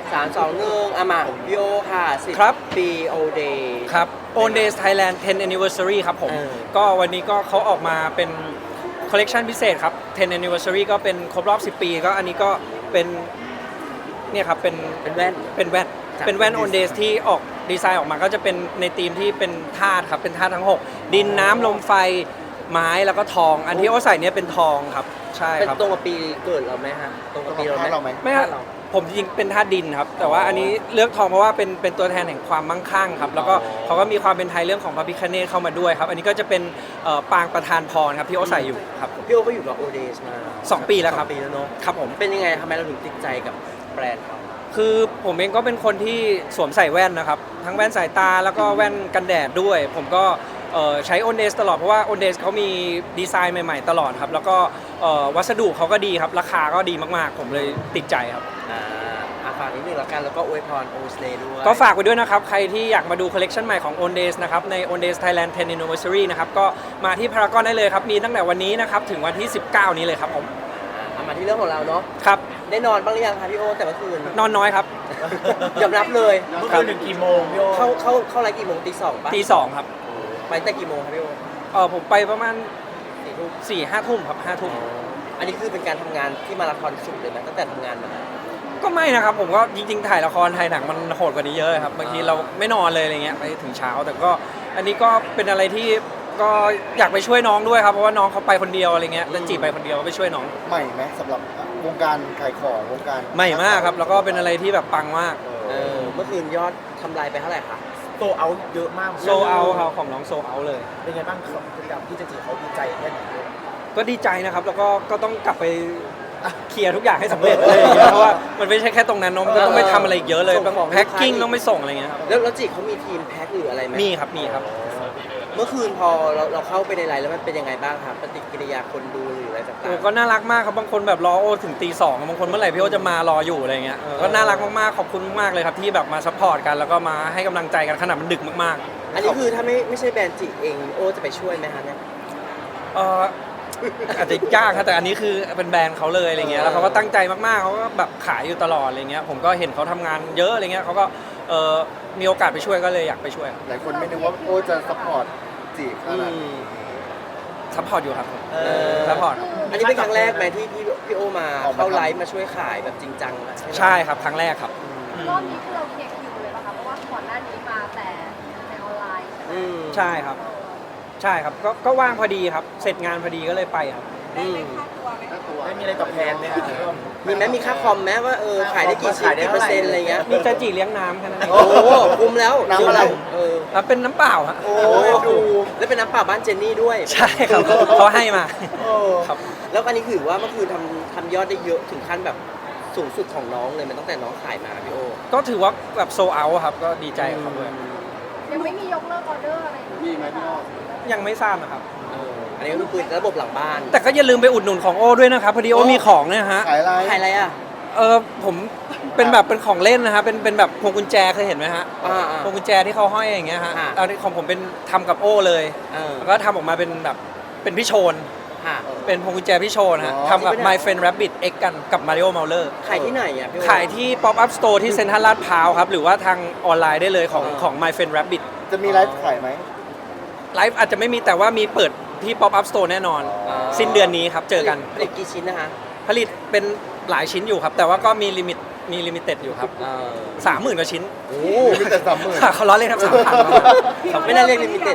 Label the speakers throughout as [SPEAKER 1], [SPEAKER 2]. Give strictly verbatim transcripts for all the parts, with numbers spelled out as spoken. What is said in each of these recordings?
[SPEAKER 1] สามสองหนึ่งอามาพี่โอค่ะสิบปีโอเดย์
[SPEAKER 2] ครับ Own Days Thailand เท็น Anniversary ครับผมก็วันนี้ก็เขาออกมาเป็นคอลเลกชันพิเศษครับเท็น Anniversary ก็เป็นครบรอบสิบปีก็อันนี้ก็เป็นเนี่ยครับเป็น
[SPEAKER 1] เป็นแว่น
[SPEAKER 2] เป็นแว่นเป็นแว่น Own Days ที่ออกดีไซน์ออกมาก็จะเป็นในธีมที่เป็นธาตุครับเป็นธาตุทั้งหกดินน้ำลมไฟไม้แล้วก็ทองอันที่โอใส่เนี่ยเป็นทองครับใช่ครับ
[SPEAKER 1] เป็นตรงกับปีเกิดเราไหมฮะตรงกับปีเราไหม
[SPEAKER 2] ไม่ฮะผมจริงๆเป็นธาตุดินครับแต่ว่าอันนี้เลือกทองเพราะว่าเป็นเป็นตัวแทนแห่งความมั่งคั่งครับแล้วก็เขาก็มีความเป็นไทยเรื่องของพระพิฆเนศเข้ามาด้วยครับอันนี้ก็จะเป็นปางประธานพรครับที่โอใส่อยู่ครับ
[SPEAKER 1] พี่โอก็อยู่กับโอเดสมา
[SPEAKER 2] สองปีแล้วครับ
[SPEAKER 1] ปีแล้วเนาะ
[SPEAKER 2] ครับผม
[SPEAKER 1] เป็นยังไงทำไมเราถึงติดใจกับแบรนด์เขา
[SPEAKER 2] คือผมเองก็เป็นคนที่สวมใส่แว่นนะครับทั้งแว่นสายตาแล้วก็แว่นกันแดดด้วยผมก็ใช้ Own Days ตลอดเพราะว่า Own Days เขามีดีไซน์ใหม่ๆตลอดครับแล้วก็วัสดุเขาก็ดีครับราคาก็ดีมากๆผมเลยติดใจครับ
[SPEAKER 1] อ่าฝากนิดนึงแล้วกันแล้วก็อวยพร Own Days ด้วย
[SPEAKER 2] ก็ฝากไว้ด้วยนะครับใครที่อยากมาดูคอลเลกชันใหม่ของ Own Days นะครับใน Own Days Thailand เท็น Anniversary นะครับก็มาที่พารากอนได้เลยครับมีตั้งแต่วันนี้นะครับถึงวันที่สิบเก้านี้เลยครับผม
[SPEAKER 1] มาที่เรื่องของเราเนาะ
[SPEAKER 2] ครับ
[SPEAKER 1] ได้นอนบ้างหรือยังคะพี่โอแต่เมื่อคืน
[SPEAKER 2] นอนน้อยครับ
[SPEAKER 1] ยอมรับเลย
[SPEAKER 3] เมื่อคืนถึงกี่โมงพี่โอ
[SPEAKER 1] เข้าเข้าเข้าไลฟ์กี่โมงตีสองป่ะ
[SPEAKER 2] ตีสองครับ
[SPEAKER 1] ไปแต่กี่โมงครับพี่โอ
[SPEAKER 2] เออผมไปประมาณสี่ทุ่มสี่ห้าทุ่มครับห้าทุ่ม
[SPEAKER 1] อันนี้คือเป็นการทำงานที่มาราธอนสุดเลยนะตั้งแต่ทำงานมา
[SPEAKER 2] ก็ไม่นะครับผมก็จริงๆถ่ายละครถ่ายหนังมันโหดกว่านี้เยอะครับบางทีเราไม่นอนเลยอะไรเงี้ยไปถึงเช้าแต่ก็อันนี้ก็เป็นอะไรที่ก็อยากไปช่วยน้องด้วยครับเพราะว่าน้องเขาไปคนเดียวอะไรเงี้ยแล้วจีไปคนเดียวไปช่วยน้อง
[SPEAKER 3] ใหม่ไหมสำหรับวงการขายของวงการ
[SPEAKER 2] ใหม่มากครับแล้วก็เป็นอะไรที่แบบปังมาก
[SPEAKER 1] เออเมื่อคืนยอดทำลายไปเท่าไหร่คะ
[SPEAKER 3] โซเอาเยอะมาก
[SPEAKER 2] โซเอาครับของน้องโซเอาเลย
[SPEAKER 3] เป็นไงบ้างครับพฤติกรรมที่จะจีเขาดีใจแค่ไหน
[SPEAKER 2] ก็ดีใจนะครับแล้วก็ก็ต้องกลับไปเคลียร์ทุกอย่างให้สำเร็จอะไรอย่างเงี้ยเพราะว่ามันไม่ใช่แค่ตรงนั้นน้องก็ต้องไปทำอะไรอีกเยอะเลยต้องแพ็คกิ้งต้องไปส่งอะไรเงี้ยครับ
[SPEAKER 1] แล้วแล้วจีเขามีทีมแพ็คหรืออะไรไหม
[SPEAKER 2] มีครับมีครับ
[SPEAKER 1] เมื่อคืนพอเราเราเข้าไปในไลน์แล้วมันเป็นยังไงบ้างครับปฏิกิริยาคนดูหรืออะไรต่างๆ
[SPEAKER 2] ก็น่ารักมากครับบางคนแบบรอโอถึงตีสองบางคนเมื่อไหร่พี่โอจะมารออยู่อะไรเงี้ยก็น่ารักมากๆขอบคุณมากๆเลยครับที่แบบมาซัพพอร์ตกันแล้วก็มาให้กำลังใจกันขนาดมันดึกมาก
[SPEAKER 1] ๆอันนี้คือถ้าไม่ไม่ใช่แบรนด์จีเองโอจะไปช่วยไหมคะเนี่ย
[SPEAKER 2] เอออาจจะยากครับแต่อันนี้คือเป็นแบรนด์เขาเลยอะไรเงี้ยแล้วเขาก็ตั้งใจมากๆเขาก็แบบขายอยู่ตลอดอะไรเงี้ยผมก็เห็นเขาทำงานเยอะอะไรเงี้ยเขาก็เออมีโอกาสไปช่วยก็เลยอยากไปช่วย
[SPEAKER 3] หลายคนไม่นึกว่าโอจะซัพพอร์ตจีขนาดนี้
[SPEAKER 2] ซัพพอร์ตอยู่ครับซัพพอร์ต
[SPEAKER 1] อันนี้เป็นครั้งแรกไหมที่พี่พี่โอมาเข้าไลฟ์มาช่วยขายแบบจริงจัง
[SPEAKER 2] ใช่ครับครั้งแรกครับ
[SPEAKER 4] รอบนี้คือเราเคลียร์คิวเลยป่ะคะเพราะว่าก่อนหน้านี้มาแต่ในออนไลน์
[SPEAKER 2] ใช่ครับใช่ครับก็ก็ว่างพอดีครับเสร็จงานพอดีก็เลยไปครับ
[SPEAKER 4] ได้ไหมค่าตัวไหม
[SPEAKER 3] ไม่มีอะไรตอบแทนเลยครับ
[SPEAKER 1] มีไหมมีค่าคอมไหมว่าเออขายได้กี่ชิ้นกี่เปอร์เซ็นต์อะไรเงี้ย
[SPEAKER 2] มีจะจีเลี้ยงน้ำแค่นั้นเอง
[SPEAKER 1] โอ้คุ้มแล้ว
[SPEAKER 3] น้ำอะไร
[SPEAKER 2] เออเป็นน้ำเปล่าฮะ
[SPEAKER 1] โอ้ดูแล้วเป็นน้ำเปล่าบ้านเจนนี่ด้วย
[SPEAKER 2] ใช่ครับเขาให้มา
[SPEAKER 1] ครับแล้วอันนี้คือว่าเมื่อคืนทำทำยอดได้เยอะถึงขั้นแบบสูงสุดของน้องเลยมันตั้งแต่น้องขายมาพี่โอ
[SPEAKER 2] ก็ถือว่าแบบโซเอาครับก็ดีใจกับเขาด้วย
[SPEAKER 4] ยังไม่มียกเลิกออเดอร์อะไร
[SPEAKER 3] มีไหมพี่โอ
[SPEAKER 2] ยังไม่ทราบนะครับ
[SPEAKER 1] อันนี้ก็คือระบบหลังบ้าน
[SPEAKER 2] แต่ก็อย่าลืมไปอุดหนุนของโอ้ด้วยนะครับพอดีโอ้มีของเนี่ยฮะ
[SPEAKER 3] ขายอะไร
[SPEAKER 1] ขายอะไรอ่ะ
[SPEAKER 2] เออผมเป็นแบบเป็นของเล่นนะฮะเป็นเป็นแบบพวงกุญแจเคยเห็นไหมฮะพวงกุญแจที่เขาห้อยอย่างเงี้ยฮะเอาของผมเป็นทำกับโอ้เลยแล้วก็ทำออกมาเป็นแบบเป็นพี่โชนเป็นพวงกุญแจพี่โชนฮะทำกับ My Friend Rabbit X กันกับ Mario Mauler
[SPEAKER 1] ขายที่ไหนอ่ะ
[SPEAKER 2] ขายที่ Pop Up Store ที่เซ็นทรัลลาดพร้าวครับหรือว่าทางออนไลน์ได้เลยของของ My Friend Rabbit
[SPEAKER 3] จะมีไลฟ์ขายไหม
[SPEAKER 2] ไลฟ์อาจจะไม่มีแต่ว่ามีเปิดที่ Pop Up Store แน่นอนสิ้นเดือนนี้ครับเจอกัน
[SPEAKER 1] ผลิตกี่ชิ้นนะฮะ
[SPEAKER 2] ผลิตเป็นหลายชิ้นอยู่ครับแต่ว่าก็มีลิมิตมีลิมิเต็ดอยู่ครับสามหมื่นกว่าชิ้น
[SPEAKER 3] โอ้ลิมิเต็ดสามหมื่น
[SPEAKER 2] เขาล้อเล่นครับสามพัน
[SPEAKER 1] ไม่น่าเรียกลิมิเต็ด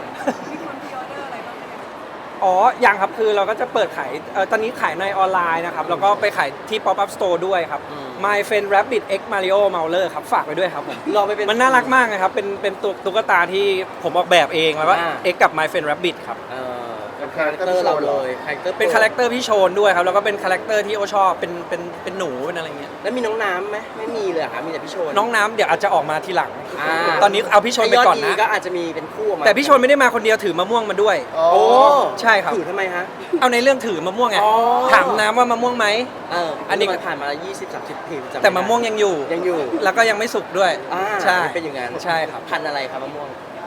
[SPEAKER 2] อ๋อยังครับคือเราก็จะเปิดขายตอนนี้ขายในออนไลน์นะครับแล้วก็ไปขายที่ Pop Up Store ด้วยครับ My Friend Rabbit X Mario Mauler ครับฝากไปด้วยครับผม
[SPEAKER 1] รอไปเป็น
[SPEAKER 2] มันน่ารักมากนะครับเป็นเป็นตัวตุ๊กตาที่ผมออกแบบเองแล้วก็ X กับ My Friend Rabbit ครับ
[SPEAKER 1] เป็นคาแรคเตอร์เราเลย
[SPEAKER 2] เป็นคาแรคเตอร์พี่โชนด้วยครับแล้วก็เป็นคาแรคเตอร์ที่โอชอบเป็นเป็นเป็นหนูเป็นอะไรเงี้ย
[SPEAKER 1] แล้วมีน้องน้ำไหมไม่มีเลยค่ะมีแต่พี่โชน
[SPEAKER 2] น้องน้ำเดี๋ยวอาจจะออกมาทีหลังตอนนี้เอาพี่โชนไปก่อนนะ
[SPEAKER 1] ก็อาจจะมีเป็นคู่มา
[SPEAKER 2] แต่พี่โชนไม่ได้มาคนเดียวถือมะม่วงมาด้วย
[SPEAKER 1] โอ้
[SPEAKER 2] ใช่ครับ
[SPEAKER 1] ถือทำไมฮะ
[SPEAKER 2] เอาในเรื่องถือมะม่วงไงถามน้ำว่ามะม่วงไหม
[SPEAKER 1] เอออันนี้ผ่านมายี่สิบ สามสิบปี
[SPEAKER 2] แต่มะม่วงยังอยู่
[SPEAKER 1] ยังอยู่
[SPEAKER 2] แล้วก็ยังไม่สุกด้วย
[SPEAKER 1] ใช่เป็นอย่างนั้น
[SPEAKER 2] ใช่ครับ
[SPEAKER 1] พันอะไรครับมะม่วง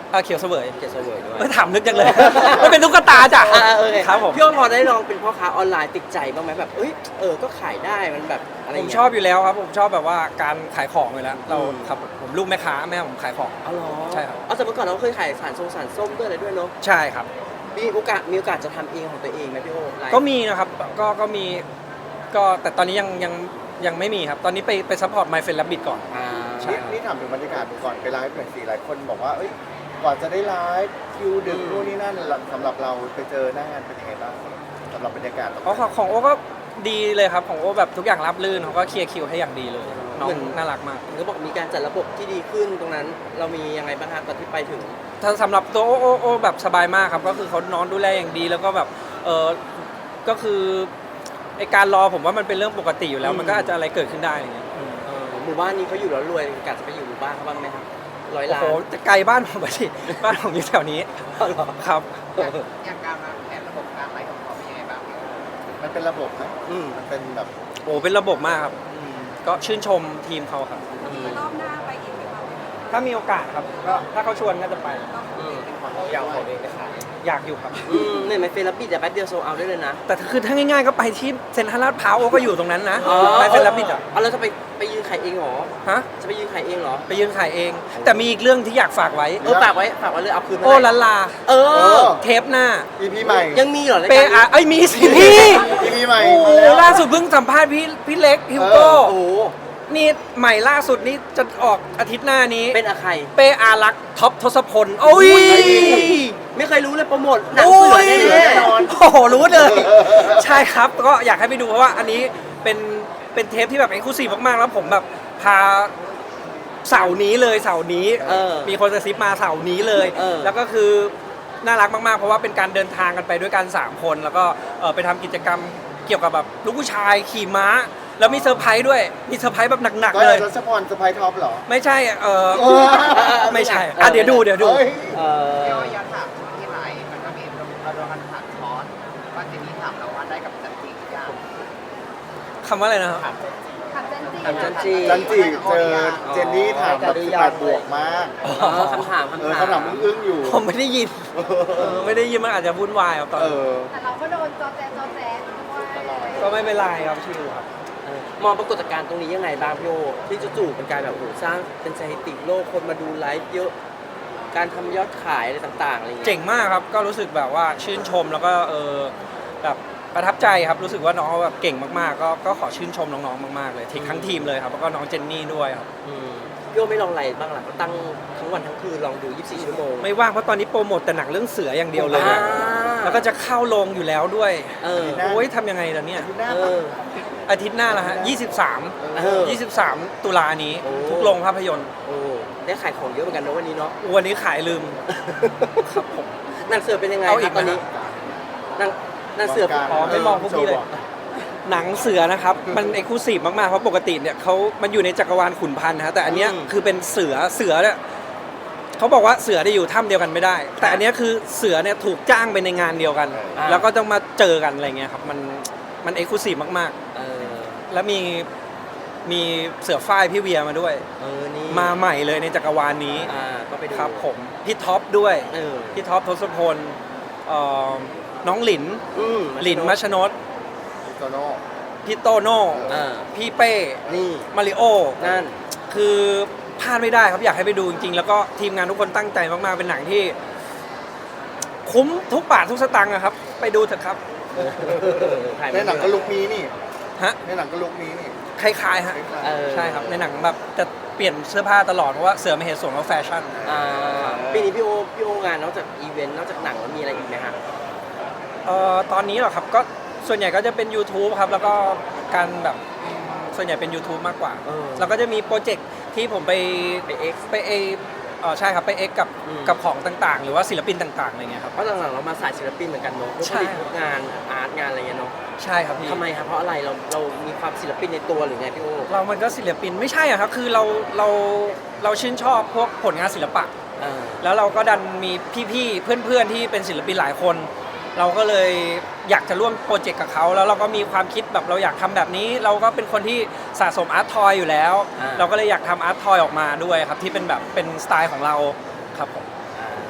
[SPEAKER 2] เอ่อเขียวเสวย
[SPEAKER 1] เกียรติเสวยด้วย
[SPEAKER 2] ไม่ถามนึกจังเลย ไม่เป็นตุ๊กตาจ้ะ
[SPEAKER 1] อ่าโอเค
[SPEAKER 2] ครับผม
[SPEAKER 1] พี่โอพอได้ลองเป็นพ่อค้าออนไลน์ติดใจบ้างไหมแบบเอ้ยเออก็ขายได้มันแบบอะไร
[SPEAKER 2] ผม
[SPEAKER 1] เงี้ย
[SPEAKER 2] ชอบอยู่แล้วครับผมชอบแบบว่าการขายของอยู่แล้วเรา
[SPEAKER 1] อืม
[SPEAKER 2] ครับผมลูกแม่ค้าแม่ผมขายของ
[SPEAKER 1] อ๋อเหรอ
[SPEAKER 2] ใช่ครับ
[SPEAKER 1] เอาแต่เมื่อก่อนเราเคยขายสารทรงสารส้มด้วยอะไรด้วยเนาะ
[SPEAKER 2] ใช่ครับ
[SPEAKER 1] มีโอกาสมีโอกาสจะทำเองของตัวเองไหมพี่โอไลฟ์
[SPEAKER 2] ก็มีนะครับก็ก็มีก็แต่ตอนนี้ยังยังยังไม่มีครับตอนนี้ไปไปซัพพอร์ต My Friend Rabbit ก่อน
[SPEAKER 1] อ่า
[SPEAKER 2] ใช่
[SPEAKER 3] นี่นี่ถามถึงบรรยากาศก่อนไปไลฟ์หน่อยสิหลายคนบอกว่าเอ้ยก่อนจะได้ไลฟ์คิวดึกนู่นนี่นั่นสำหรับเราไปเจอหน้างานเป็นยังไงบ้างสำหรับบรรยากาศ
[SPEAKER 2] เพราะของของโอ้ก็ดีเลยครับของโอ้แบบทุกอย่างรับลื่นเขาก็เคลียร์คิวให้อย่างดีเลยน้องน่ารักมาก
[SPEAKER 1] เขาบอกมีการจัดระบบที่ดีขึ้นตรงนั้นเรามียังไงบ้างครับตอนที่ไปถึง
[SPEAKER 2] ถ้าสำหรับตัวโอ้โอ้โอ้แบบสบายมากครับก็คือเขานอนดูแลอย่างดีแล้วก็แบบเออก็คือไอการรอผมว่ามันเป็นเรื่องปกติอยู่แล้ว
[SPEAKER 1] อืม
[SPEAKER 2] มันก็อาจจะอะไรเกิดขึ้นได้อะไรเงี้ยอืม
[SPEAKER 1] เออหมู่บ้านนี้เขาอยู่แล้วรวยกะจะไปอยู่หมู่บ้านเขาบ้างไหมครับร้อย
[SPEAKER 2] โอ้
[SPEAKER 1] ล้า
[SPEAKER 2] โห
[SPEAKER 1] น
[SPEAKER 2] จะไกลบ้านผมไปสิ บ้านผมอยู่แถวนี้
[SPEAKER 1] อ๋อเหรอ
[SPEAKER 2] ครับ
[SPEAKER 5] อย่างการวางแผนระบบการไลฟ์ของเขาเป็นยังไงบ้าง
[SPEAKER 3] มันเป็นระบบนะ
[SPEAKER 1] อืม
[SPEAKER 3] มันเป็นแบบ
[SPEAKER 2] โอ้เป็นระบบมากครับ
[SPEAKER 1] อืม
[SPEAKER 2] ก็ชื่นชมทีมเขาครับ
[SPEAKER 1] อืม
[SPEAKER 4] รอบหน้าไปอีกไหมคะ
[SPEAKER 2] ถ้ามีโอกาสครับก็ถ้าเขาชวนก็จะไป
[SPEAKER 1] อืม
[SPEAKER 3] ยาวของเองนะคะ
[SPEAKER 2] อยากอยู่ครับ
[SPEAKER 1] อืมเนี่ยไม่เฟรบิดแต่แป๊บเดียวโซเอาได้เลยนะ
[SPEAKER 2] แต่คือถ้าง่ายๆก็ไปที่เซ็นทรัลลาดพร้าวโอ้ก็อยู่ตรงนั้นนะไปเซ็นรับบิดอ่ะ
[SPEAKER 1] เอาแล้วจะไปไปยืนขายเองเหรอ
[SPEAKER 2] ฮะ
[SPEAKER 1] จะไปยืนขายเองเหรอ
[SPEAKER 2] ไปยืนขายเอง แต่มีอีกเรื่องที่อยากฝากไว้
[SPEAKER 1] เออฝากไว้ฝากไว้เลยเอาคืนมา
[SPEAKER 2] โอ้
[SPEAKER 1] ให้
[SPEAKER 2] ลันลา
[SPEAKER 1] เออ
[SPEAKER 2] เทปหน้า
[SPEAKER 3] อีพีใหม่
[SPEAKER 1] ยังมีเหรอราย
[SPEAKER 2] เป
[SPEAKER 1] การ
[SPEAKER 2] อา
[SPEAKER 1] นี้
[SPEAKER 2] ไอ้ยมีสิพี่
[SPEAKER 3] อีพีใหม่
[SPEAKER 2] โอ้
[SPEAKER 3] มาแล้ว
[SPEAKER 2] ล่าสุดเพิ่งสัมภาษณ์พี่พี่เล็กฮิวโก้
[SPEAKER 1] โอ้โห
[SPEAKER 2] นี่ใหม่ล่าสุดนี่จะออกอาทิตย์หน้านี้
[SPEAKER 1] เป็นอะใคร
[SPEAKER 2] เปอารักษ์ท็อปทศพลโอ้ย
[SPEAKER 1] ไม่เคยรู้เลยโปรโมทหนังเสือแน่
[SPEAKER 3] แน่นอน
[SPEAKER 2] โอ้โหรู้เลย ใช่ครับก็อยากให้ไปดูเพราะว่าอันนี้เป็นเป็นเทปที่แบบเอ็กซ์คลูซีฟมากๆแล้วผมแบบพาเสาร์นี้เลยเสาร์นี้
[SPEAKER 1] ๆเออ
[SPEAKER 2] มีคนกระซิบมาเสาร์นี้เลย
[SPEAKER 1] เออ
[SPEAKER 2] แล้วก็คือน่ารักมากๆ เพราะว่าเป็นการเดินทางกันไปด้วยกันสามคน แล้วก็เอ่อไปทำกิจกรรมเกี่ยวกับแบบลูกผู้ชายขี่ม้า แล้วมีเซอร์ไพรส์ด้วยมีเซอร์ไพรส์แบบหนัก
[SPEAKER 3] ก็
[SPEAKER 2] ๆเลย
[SPEAKER 3] รัชพรสไปท็อปเหรอ
[SPEAKER 2] ไม่ใช่เออ
[SPEAKER 3] เออ
[SPEAKER 2] ไม่ใช่อ่ะเดี๋ยวดูเดี๋ยวดู
[SPEAKER 3] เฮ้ย
[SPEAKER 1] เออ
[SPEAKER 5] พี่อ้อยย้อนถามที่ไลฟ์มันก็มีเราโดนกันผ่านคอร์สว่าเจนนี่ถามเราว่าได้กับจันจิหรือยัง
[SPEAKER 2] คำว่าอะไรนะครับ
[SPEAKER 4] ขับเจนจี
[SPEAKER 1] ขับเจนจี
[SPEAKER 3] จันจิเจอเจนนี่ถามแบบสิบแปดบวกมาก
[SPEAKER 1] เออคำถาม
[SPEAKER 3] เออ
[SPEAKER 1] คำถาม
[SPEAKER 3] คำถามอึ้งๆอยู่
[SPEAKER 2] ผมไม่ได้ยินเออไม่ได้ยินมันอาจจะวุ่นวายครับตอน
[SPEAKER 3] เอ
[SPEAKER 2] นั้น
[SPEAKER 3] อ
[SPEAKER 4] แต่เราก็โดนจอแจจอแจด้วย
[SPEAKER 2] ก็ไม่เป็นไรครับชิวครับ
[SPEAKER 1] เออมองปรากฏการณ์ตรงนี้ยังไงบ้างพี่โอที่จู่ๆเป็นการแบบโอ้โหสร้างเป็นสถิติโลกคนมาดูไลฟ์เยอะ การทำยอดขายอะไรต่างๆอะไรอย่างเงี้ย
[SPEAKER 2] เจ๋งมากครับก็รู้สึกแบบว่าชื่นชมแล้วก็เออแบบประทับใจครับรู้สึกว่าน้องเขาแบบเก่งมากๆ ก็ก็ขอชื่นชมน้องๆมากๆเลยทีทั้งทีมเลยครับแล้วก็น้องเจนนี่ด้วยครับ
[SPEAKER 1] อืมพี่โอไม่ลองอะไรบ้างล่ะก็ตั้งทั้งวันทั้งคืนลองดูยี่สิบสี่ชั่วโมง
[SPEAKER 2] ไม่ว่างเพราะตอนนี้โปรโมทแต่หนังเรื่องเสืออย่างเดียวเลย
[SPEAKER 1] อ่า
[SPEAKER 2] แล้วก็จะเข้าโรงอยู่แล้วด้วย
[SPEAKER 1] เออ
[SPEAKER 2] โอ้ยทำยังไงล่ะเนี่ย
[SPEAKER 3] หน้า
[SPEAKER 1] เอ
[SPEAKER 3] ปะ
[SPEAKER 1] อ
[SPEAKER 2] อาทิตย์หน้าละฮะยี่สิบสาม
[SPEAKER 1] เออ
[SPEAKER 2] ยี่สิบสามตุลานี้
[SPEAKER 1] โอ้
[SPEAKER 2] ทุกโรงภาพยนตร์
[SPEAKER 1] โอ้ได้ขายของเยอะเหมือนกันนะวันนี้เนาะ
[SPEAKER 2] วันนี้ขายลืมครับผม
[SPEAKER 1] หนังเสือเป็นยังไง
[SPEAKER 2] เอาอี
[SPEAKER 1] ค
[SPEAKER 2] ก
[SPEAKER 1] รับ
[SPEAKER 2] ไหม
[SPEAKER 1] ตอนนี้หนังหนังเสือ
[SPEAKER 2] อ๋อไม่มองพวกพี่เลย หนังเสือนะครับ มันเอกลูซีฟมากๆ เพราะปกติเนี่ยเขามันอยู่ในจักรวาลขุนพันธ์นะฮะแต่อันเนี้ยคือเป็นเสือเสือเนี่ยเขาบอกว่าเสือได้อยู่ถ้ำเดียวกันไม่ได้ แต่อันเนี้ยคือเสือเนี่ยถูกจ้างไปในงานเดียวกัน แล้วก็ต้องมาเจอกันอะไรเงี้ยครับมันมันเอกลูซีฟมาก
[SPEAKER 1] เออ
[SPEAKER 2] ๆ แล้วมีมีเสือฝ้ายพี่เวียมาด้วย
[SPEAKER 1] เออนี่
[SPEAKER 2] มาใหม่เลยในจักรวาลนี้
[SPEAKER 1] อ่าก็ไปดู
[SPEAKER 2] ครับผมพี่ท็อปด้วย
[SPEAKER 1] เออ
[SPEAKER 2] พี่ท็อปทศพลเอ่อน้องหลิน
[SPEAKER 1] อืม
[SPEAKER 2] หลินมัชนด
[SPEAKER 3] โตโน่
[SPEAKER 2] พี่โตโน่
[SPEAKER 1] อ่า
[SPEAKER 2] พี่เป้
[SPEAKER 1] นี่
[SPEAKER 2] มาริโอ
[SPEAKER 1] นั่น
[SPEAKER 2] คือพลาดไม่ได้ครับอยากให้ไปดูจริงๆ แล้วก็ทีมงานทุกคนตั้งใจมากๆ เป็นหนังที่ คุ้มทุกบาททุกสตางค์อะครับ ไปดูเถอะครับ
[SPEAKER 1] ถ่าย
[SPEAKER 3] ในหนังก็ลุกนี้นี่
[SPEAKER 2] ฮะ
[SPEAKER 3] ในหนังก็ลุกนี้นี่
[SPEAKER 2] คล้ายๆฮะ
[SPEAKER 1] เออ
[SPEAKER 2] ใช่ครับในหนังแบบจะเปลี่ยนเสื้อผ้าตลอดเพราะว่าเสือไม่เห็นส่วนของแฟชั่น
[SPEAKER 1] อ่าปีนี้พี่โอพี่โองานนอกจากอีเวนต์นอกจากหนังแล้วมีอะไรอีกไหมฮะ
[SPEAKER 2] เอ่อตอนนี้เหรอครับก็ส่วนใหญ่ก็จะเป็น YouTube ครับ แล้วก็การแบบส่วนใหญ่เป็น YouTube มากกว่า
[SPEAKER 1] เออ
[SPEAKER 2] แล้วก็จะมีโปรเจกต์ที่ผมไป
[SPEAKER 1] ไปเอ็กซ์
[SPEAKER 2] ไปเอเออใช่ครับไปเอ็กกับ
[SPEAKER 1] อืม
[SPEAKER 2] กับของต่างๆ หรือว่าศิลปินต่างๆอะไรเงี้ยครับ
[SPEAKER 1] เพราะหลังๆเรามาสายศิลปินเหมือนกันเนาะพวก
[SPEAKER 2] ใช่
[SPEAKER 1] ผลิตพวกงานอาร์ตงานอะไรเงี้ยเนาะ
[SPEAKER 2] ใช่ครับพี่
[SPEAKER 1] ทำไมครับเพราะอะไรเราเรามีความศิลปินในตัวหรือไงพี่โอ
[SPEAKER 2] เรามันก็ศิลปินไม่ใช่อะครับคือเราเราเราชื่นชอบพวกผลงานศิลปะ
[SPEAKER 1] เออ
[SPEAKER 2] แล้วเราก็ดันมีพี่ๆ เพื่อนๆ ที่เป็นศิลปินหลายคน เราก็เลยอยากจะร่วมโปรเจกต์กับเขา แล้วเราก็มีความคิดแบบเราอยากทำแบบนี้ เราก็เป็นคนที่สะสมอาร์ตทอยอยู่แล้ว
[SPEAKER 1] อ่า
[SPEAKER 2] เราก็เลยอยากทำอาร์ตทอยออกมาด้วยครับที่เป็นแบบเป็นสไตล์ของเราครับผม
[SPEAKER 1] อ่า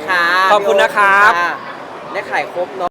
[SPEAKER 1] ค่ะ
[SPEAKER 2] ขอบคุณนะครับ
[SPEAKER 1] ได้ขายครบเนาะ